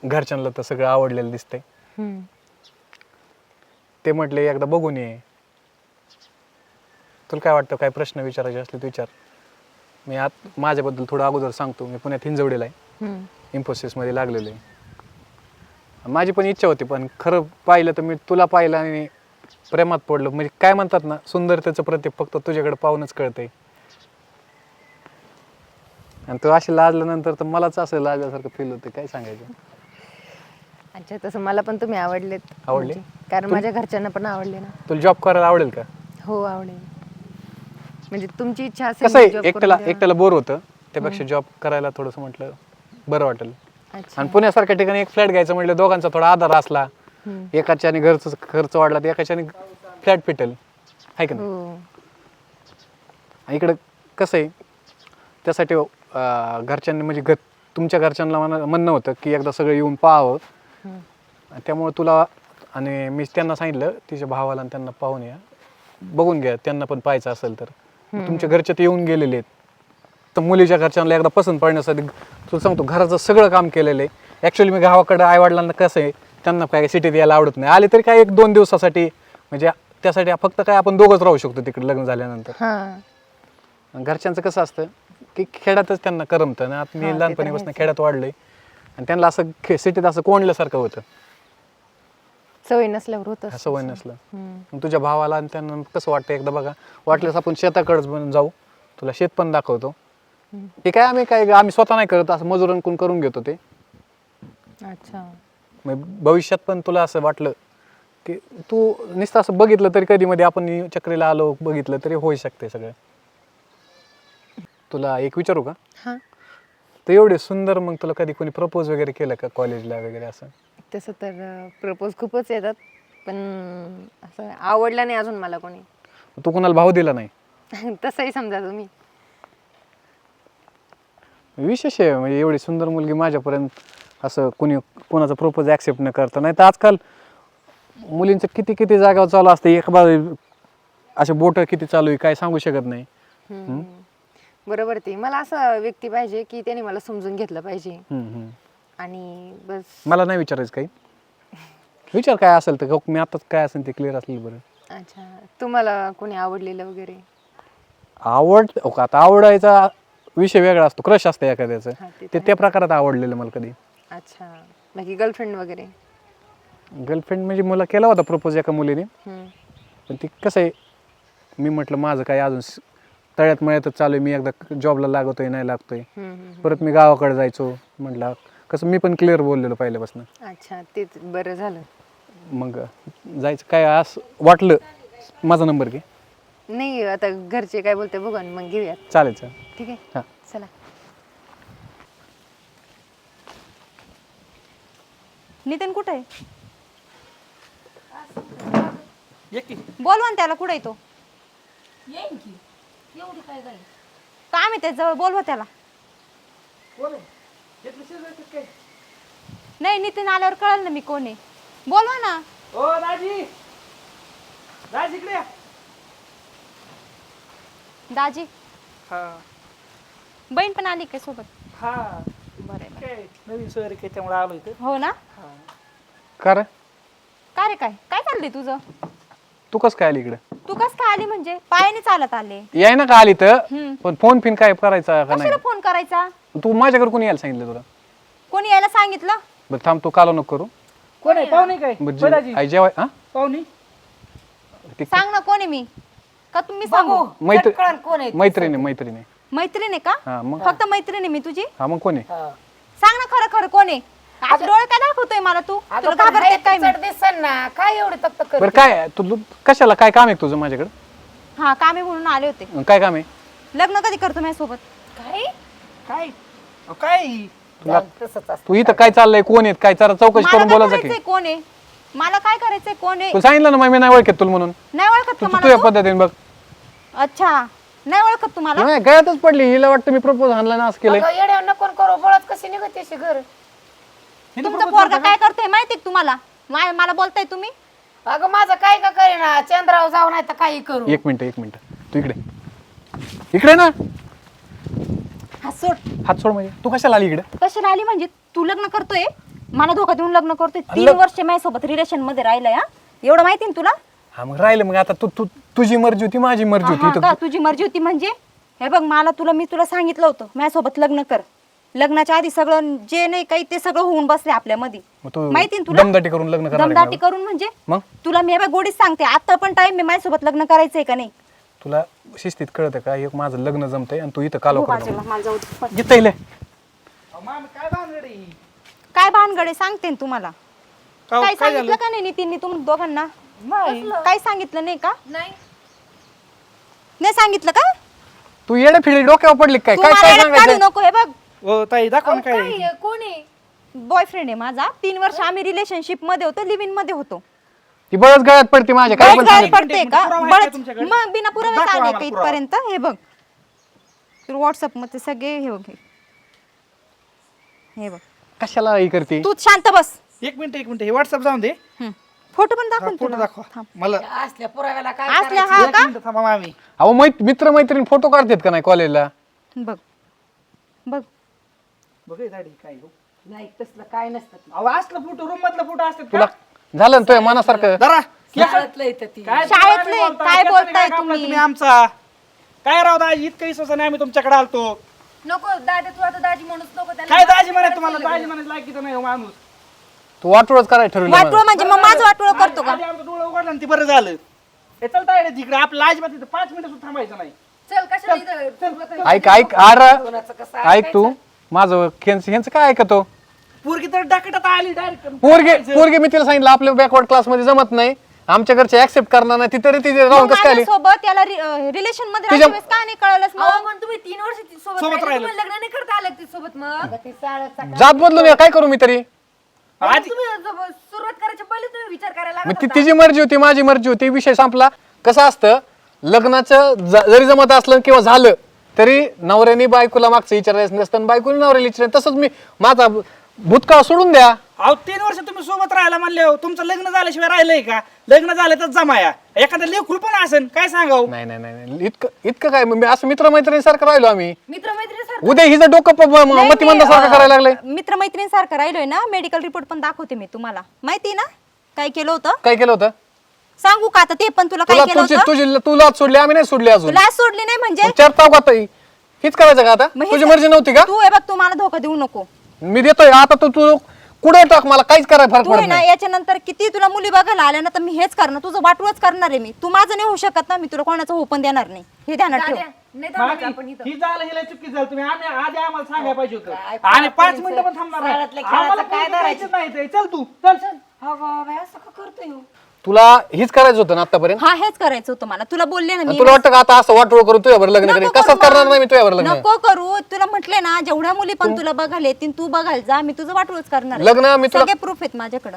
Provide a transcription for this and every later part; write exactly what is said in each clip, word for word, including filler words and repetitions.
घरच्यांना तर सगळं आवडलेलं दिसतंय. ते म्हटले एकदा बघून ये. तुला काय वाटतं, काय प्रश्न विचारायचे असले तर विचार. मी आत माझ्याबद्दल थोडं अगोदर सांगतो. मी पुण्यात हिंजवडीला आहे, इन्फोसिसमध्ये लागलेलो आहे. माझी पण इच्छा होती, पण खरं पाहिलं तर मी तुला पाहिलं आणि प्रेमात पडलो. म्हणजे काय म्हणतात ना, सुंदरतेचं प्रतीक फक्त तुझ्याकडे पाहूनच कळतंय. आणि तू अशी लाजल्यानंतर तर मलाच असं लाजल्यासारखं फील होतं. काय सांगायचं. अच्छा, तसं मला पण तुम्ही आवडलेत. आवडले? म्हणजे कारण माझ्या घरच्यांना पण आवडले ना. तुला जॉब करायला आवडेल का? हो आवडेल. म्हणजे तुमची इच्छा कसं असेल आहे, जॉब एकट्याला करून द्या. एकट्याला बोर होतं, त्यापेक्षा जॉब करायला थोडंसं म्हटलं बरं वाटेल. अच्छा. आणि पुण्यासारख्या ठिकाणी एक फ्लॅट घ्यायचं म्हटलं दोघांचा थोडा आधार असला, एकाच्याने घरचं खर्च वाढला तर एकाच्याने फ्लॅट पिटेल, आहे का नाही. हो. इकडं कसं आहे, त्यासाठी अं, घरच्यांनी म्हणजे घर तुमच्या घरच्यांना म्हणा म्हणणं होतं की एकदा सगळं येऊन पाहावं. त्यामुळे तुला आणि मी त्यांना सांगितलं तिच्या भावाला आणि त्यांना पाहून या, बघून घ्या, त्यांना पण पाहायचं असेल तर. तुमच्या घरचे ते येऊन गेलेले आहेत, तर मुलीच्या घरच्यांना एकदा पसंत पडण्यासाठी तुला सांगतो घराचं सगळं काम केलेलं आहे. ॲक्च्युली मी गावाकडं आईवडिलांना कसं आहे, त्यांना काय सिटीत यायला आवडत नाही. आले तरी काय एक दोन दिवसासाठी, म्हणजे त्यासाठी फक्त काय आपण दोघंच राहू शकतो तिकडे लग्न झाल्यानंतर. हां. घरच्यांचं कसं असतं की खेड्यातच त्यांना करमतं ना. आता मी लहानपणीपासून खेड्यात वाढलोय आणि त्यांना असं सिटीत असं कोंडल्यासारखं होतं, सवय नसल्यावर होतं. सवय नसलं. मग तुझ्या भावाला आणि त्यांना कसं वाटतं एकदा बघा, वाटल्यास आपण शेताकडेच पण जाऊ, तुला शेत पण दाखवतो. ते काय आम्ही काय आम्ही स्वतः नाही करत, असं मजुरांकडून करून घेतो ते. अच्छा. मग भविष्यात पण तुला असं वाटलं की तू नुसतं असं बघितलं तरी कधी मध्ये आपण चक्रीला आलो बघितलं तरी होऊ शकते सगळं. तुला एक विचारू का? हां. तर एवढे सुंदर, मग तुला कधी कोणी प्रपोज वगैरे केलं का कॉलेजला वगैरे असं? तसं तर प्रपोज खूपच येतात, पण असं आवडलं नाही अजून मला कोणी. तू कोणाला भाव दिला नाही? तसंही समजा तुम्ही. विशेष आहे, म्हणजे एवढी सुंदर मुलगी माझ्यापर्यंत असं कोणी कोणाचा प्रपोज ॲक्सेप्ट न करता. नाही तर आजकाल मुलींचं किती किती जागावर चालू असतं, एक बाजू असे बोटं किती चालू आहे काय सांगू शकत नाही. बरोबर. ते मला असं व्यक्ती पाहिजे की त्याने मला समजून घेतलं पाहिजे हम्म, हम्म. आणि बस. मला नाही विचारायचं काही, विचार काय असेल तर मी आताच काय असेल ते क्लिअर असलेलं बरं. अच्छा, तुम्हाला कोणी आवडलेलं वगैरे? आवड हो का, आता आवडायचा विषय वेगळा असतो, क्रश असतं एखाद्याचं, हा, ते ते तर त्या प्रकारात आवडलेलं मला कधी. अच्छा, बाकी गर्लफ्रेंड वगैरे? गर्लफ्रेंड म्हणजे मला केला होता प्रपोज एका मुलीने, हम्म. पण ती कसं आहे, मी म्हटलं माझं काय अजून स- तळ्यात मळ्यातच चालू आहे, मी एकदा जॉबला लागतोय नाही लागतोय, हम्म, हम्म. परत मी गावाकडे जायचो. म्हटलं कसं मी पण क्लिअर बोललेलो पहिल्यापासून, अच्छा, तेच बरं झालं. मग जायचं काय असं वाटलं माझा नंबर घे. नाही, आता घरचे काय बोलते बघा मग घेऊयात. चालेल चालेल. ठीक आहे, हां. चला. नितीन कुठे आहे? बोलवा ना त्याला, कुठे येतो? येईन की एवढी काय गाय काम आहे त्याच्याजवळ, बोलवा त्याला. नाही, नितीन आल्यावर कळलं ना मी कोण आहे. बोलवा ना. ओ राजी, राज इकडे या. दाजी, हा बहीण पण आली काय सोबत? हा बरं आहे. काय नवीन सोयरी काय त्यामुळे आलो इथं. हो ना. का रे, का रे, काय काय चाललंय तुझं? तू कसं काय आली इकडे? तू कस काय आली म्हणजे? पायाने चालत आले? याय ना का आली तर, हम्म. पण फोन फिन काय करायचा का नाही? कशाला फोन करायचा? तू माझ्याकडे कोणी यायला सांगितलं तुला? कोणी यायला सांगितलं? बरं थांब, तू कालो नको करू. कोण आहे पाहुणे काय? बरं, होय राजी, जे- आई जेवाय हा पाहुणे ते- सांग ना कोण आहे मी, का तुम्ही सांगू? मैत्री कळण कोण आहे? मैत्रिणी मैत्रिणी मैत्रीण आहे का? हा मग फक्त मैत्रीण आहे मी तुझी? हा मग कोण आहे? हा सांग ना खरं खरं कोण आहे? आज डोळे काय दाखवतोय मला तू? तुला घाबरते काय मी? दिसन ना काय एवढे तक्त कर. बरं काय तू तू- कशाला, काय काम आहे तुझं माझ्याकडे? हा, कामे म्हणून आले होते. काय काम आहे? लग्न कधी करतो माझ्यासोबत? काय काय अहो, काय तुला तसंच असतं. तू इथं काय चाललंय, कोण आहेत काय, जरा चौकशी मला करून काय बोलायचं की. करायचंय कोण आहे? मला काय करायचंय कोण आहे? तू सांगितलं ना मग मी नाही ओळखत तुला म्हणून. नाही ओळखत तू का तू मला तुझ्या तू? पद्धतीने बघ. अच्छा, नाही ओळखत तुम्हाला? नाही गळ्यातच पडली, हिला वाटतं मी प्रपोज आणला ना असं केलंय. अगं, येड्यावर नको करू, बळत कशी निघते अशी घर. तुमचा पोरगा काय करतोय माहितीये का तुम्हाला? मा- मला बोलताय तुम्ही? अगं माझं काय का करेना, चंद्रावर जाऊ नाही तर काही करू. एक मिनिट एक मिनिट तू इकडे इकडे ना, हा, सोड. हात सोड. म्हणजे तू कशाला आली इकडे? कशाला आली म्हणजे? तू लग्न करतोय? मला धोका देऊन लग्न करतोय तीन वर्ष माझ्यासोबत रिलेशन मध्ये राहिलंय हा एवढं माहिती ना तुला हा मग राहिलं मग आता तू तू तुझी मर्जी होती माझी मर्जी हा होती का तर तुझी मर्जी होती म्हणजे हे बघ मला तुला मी तुला सांगितलं होतं माझ्यासोबत लग्न कर लग्नाच्या आधी सगळं जे नाही काही ते सगळं होऊन बसले आपल्यामध्ये मग तू माहिती ना तुला दमदाटी करून लग्न करणार आहे दमदाटी का? करून म्हणजे मग तुला मी हे बघ गोडीच सांगते आता पण टाइम मी माझ्यासोबत लग्न करायचंय का नाही तुला शिस्तीत कळतं का एक माझं लग्न जमतंय आणि तू इथं कालो हो, करतो बाजूला, मला जाऊ दे. पण घेता येईल अहो, मामी काय भानगड आहे? काय भानगडे सांगते ना तुम्हाला का- काय काय सांगितलं झालं? का नाही नितीनने तुम दोघांना नाही काय सांगितलं नाही का नाही नाही सांगितलं का तू येडे फिडी डोक्यावर पडली काय तू काय मला काय येड्यात काढू सांगायचं नको हे बघ हो ताई दाखवा ना काय काय आहे? कोण आहे बॉयफ्रेंड आहे माझा तीन वर्ष आम्ही रिलेशनशिप मध्ये होतो लिव्ह इन मध्ये होतो ती बळच गळ्यात पडते माझ्या काय पण बळच गळ्यात सांगितलं. पडते का पुरावा आहे का बळच तुमच्याकडे? मग बिना पुराव्याच दाखवा आले आम्हाला का पुरावा. इथपर्यंत हे बघ व्हॉट्सअप मध्ये सगळे हे बघ हे बघ कशाला ही करते तू शांत बस एक मिनिट एक मिनिट हे व्हॉट्सअप जाऊन दे फोटो पण दाखव फोटो दाखवा मला असल्या पुराव्याला काय असल्या करायचं? हा एक का मिनिट थांबा मामी अहो मैत मित्र मैत्रीण फोटो काढतात का नाही कॉलेजला बघ बघ बघ हे दाढी काय हो. नाही तसलं काय नसतं ते. अहो असलं फोटो रूम मधला फोटो असतात तुला का? झालं ना तुझ्या मनासारखं जरा शाळेतलं येतं ती काय शाळेतले, तुम्ही बोलताय? काय त्याच्याने बोलताय काय कापला तुम्ही? आमचा काय राव दाजी इतकं विश्वास नाही आम्ही तुमच्याकडे आलतो नको दादा तू आता दाजी म्हणूच नको त्याला काय दाजी म्हणाय तुम्हाला दाजी म्हणायचं लायकीचं नाही हो माणूस तू वाटोळच करायला ठरवलं वाटोळ मला. म्हणजे मग माझं वाटोळ करतो का आधी आमचं डोळं उघडलं आणि ते बरं झालं हे चलता येईल तिकडे आपलं अजिबात तिथं पाच मिनिटं सुद्धा थांबायचं नाही चल कशाला इथं ऐक ऐक अरे कोणाचं कसं ऐक तू माझं ह्यांच ह्यांचं काय ऐकतो पोरगी तर डाकटात आली डायरेक्ट पोरगे पोरगे मी तिला सांगितलं आपल्या बॅकवर्ड क्लास मध्ये जमत नाही आमच्या घरचे ऍक्सेप्ट करणार नाही ती तरी तिथे राहून कसं काय आली? सोबत त्याला रिलेशन मध्ये तुझ्या- राहिल्या वेळेस का नाही कळलंच अहो मग पण तुम्ही तीन वर्ष ती सोबत सोबत राहिले, राहिलो. तुम्हाला लग्न नाही करता आलं ती सोबत मग ती शाळेचा जात बदलून ये, काय करू मी तरी आधी तुम्ही जब- सुरुवात करायच्या पहिले तुम्ही विचार करायला मग लागत ती होता. तिची मर्जी होती माझी मर्जी होती विषय संपला कसं असतं लग्नाचं ज- जरी जमत असलं किंवा झालं तरी नवऱ्याने बायकोला मागचं विचारायचं नसतं आणि बायकोने नवऱ्याला विचारायचं तसंच मी माझा भूतकाळ सोडून द्या अहो तीन वर्ष तुम्ही सोबत राहायला म्हणले हो तुमचं लग्न झाल्याशिवाय राहिलंय का लग्न झालं तर जमाया एखादं लेखूळ पण असेल काय सांगाव नाही नाही नाही नाही. इतकं इतकं काय मी असं मित्रमैत्रिणीसारखं राहिलो आम्ही मित्रमैत्रिणी उद्या हिचं डोकं प- म- मतिमंदासारखं करायला लागलंय मित्रमैत्रिणीसारखं राहिलोय ना मेडिकल रिपोर्ट पण दाखवते मी तुम्हाला माहिती ना काय केलं होतं काय केलं होतं सांगू का आता ते पण तुला काय तुला केलं तुझी होतं तुझी तुला सोडली आम्ही नाही सोडली अजून तुला सोडली नाही म्हणजे मग चार ताव आता हीच करायचं का आता मग हे तुझी स- मर्जी नव्हती का तू हे बघ तू मला धोका देऊ नको मी देतोय आता तू तू कुठे टाक मला काहीच करायला फरक तू आहे पडत ना नाही याच्यानंतर किती तुला मुली बघायला आल्या ना तर मी हेच करणार तुझं वाटूच करणार आहे मी तू माझं नाही होऊ शकत ना मी तुला कोणाचं होऊ पण देणार नाही हे ध्यानात ठेव दाद्या, नाही थांबायचं आपण इथं ही झालं हिला चुकी झालं तुम्ही आम्ही आधी आम्हाला सांगायला पाहिजे काय होतं आणि पाच पोरींचं मिनिटं पण थांबणार नाही. शाळेतल्या खेळाचं आम्हाला काय पोरगी धरायचं? द्यायचीच नाही ते. चल तू चल चल हो बाबा असं का करतोय हो? तुला हीच करायचं होतं ना आतापर्यंत हा हेच करायचं होतं मला तुला बोलले ना आणि मी तुला वाटतं का आता असं वाटोळ करून तुझ्यावर लग्न नको करेन करू कसंच करणार मग. नाही मी तुझ्यावर लग्न नको करू तुला म्हटले ना जेवढ्या मुली पण तुला बघायला येतील तू बघायला जा मी तुझं वाटूच करणार आहे. लग्न मी तुला- सगळे प्रूफ आहेत माझ्याकडे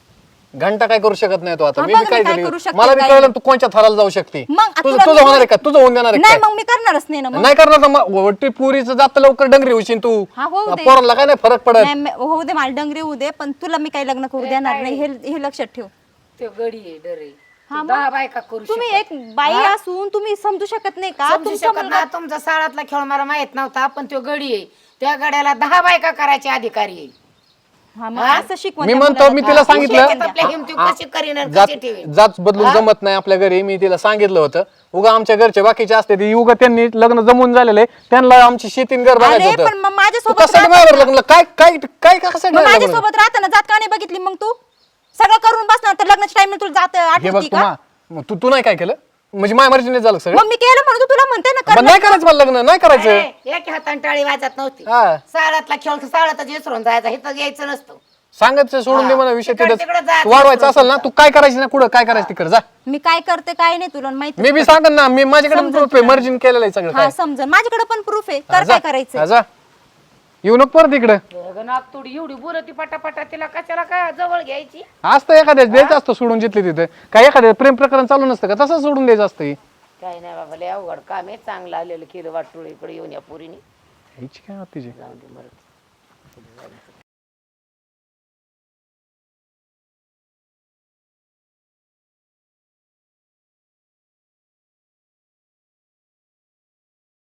घंटा काय करू शकत नाही तो आता हा, मी बघ बी मी काय काय झाली करू शकते, मला बी काय कळलं नाही. तू कोणच्या थराला जाऊ शकते मग आता तुझं तुला तुझं मी- होणार आहे का तुझं होऊन देणार आहे नाही काय मग मी करणारच नाही ना मग नाही करणार तर मग वट्टी पुरीचं जात लवकर डंगरी होशील तू हा, होऊ दे. पोरांना काय नाही फरक पडत नाही, मी- होऊ दे मला डंगरी होऊ दे पण तुला मी काही लग्न करू देणार नाही हे हे लक्षात ठेव ते गडी आहे डर आहे हा, ते दहा बायका करू तुम्ही शकत. एक बाई असून तुम्ही समजू शकत नाही का समजू तुमचा शकत मुलगा ना तुमचा शाळातला खेळ मला माहित नव्हता पण तो गडी आहे त्या गड्याला दहा बायका करायचे अधिकारी आहे हा, मग हा? असं शिकवण मी त्या म्हणतो मुलाला मी का? तिला शेतीत सांगितलं आपल्या हिमती कशी करीन आणि जात कशी ठेवीन जात बदलून जमत नाही आपल्या घरी मी तिला सांगितलं होतं उगा आमच्या घरचे बाकीचे असते ते उगा त्यांनी लग्न जमून झालेलं आहे त्यांना आमची शेतीन घर अरे बघायचं पण मग होतं माझ्यासोबत तू कशासाठी माझ्यावर लग्न काय काय काय कशासाठी मग माझ्यावर लग्न? माझ्यासोबत राहताना जात का नाही बघितली मग तू सगळं करून बसणार तर लग्नाच्या टाइम तुला जात हे बघ आठवती तू का मा- मग तू तू नाही काय केलं म्हणजे माझ्या मर्जीने झालं सगळं मग मी केलं म्हणून तू तुला म्हणते ना पण कर नाही करायचं मला लग्न नाही करायचं अरे, एक हाताने टाळी वाजत नव्हती हा शाळातला खेळ शाळातच विसरून जायचा इथं यायचं नसतं सांगायचं सोडून दे मला विषय तिकडं- तिथं तिकडं जायचं तू वाढवायचं असेल ना तू काय करायचं ना कुठं काय करायचं तिकडे जा मी काय करते काय नाही तुला माहिती मी बी सांगन ना मी माझ्याकडे समजून प्रूफ आहे मर्जीन केलेलं आहे सगळं हा काय समजून माझ्याकडे पण प्रूफ आहे हा, कर जा. काय करायचं हा, जा येऊ नको परत इकडं नागतोडी एवढी बोलती पटापटा तिला कशाला काय जवळ घ्यायची असतं एखाद्या द्यायचं असतं सोडून जिथले तिथे काय एखाद्या प्रेम प्रकरण चालू नसतं का तसं सोडून द्यायचं असतं हे. काय नाही बाबा लय अवघड काम आहे चांगलं आलेलं केलं वाटोळ इकडे येऊन या पोरीने ह्याची काय होती तिची? जाऊन दे मरत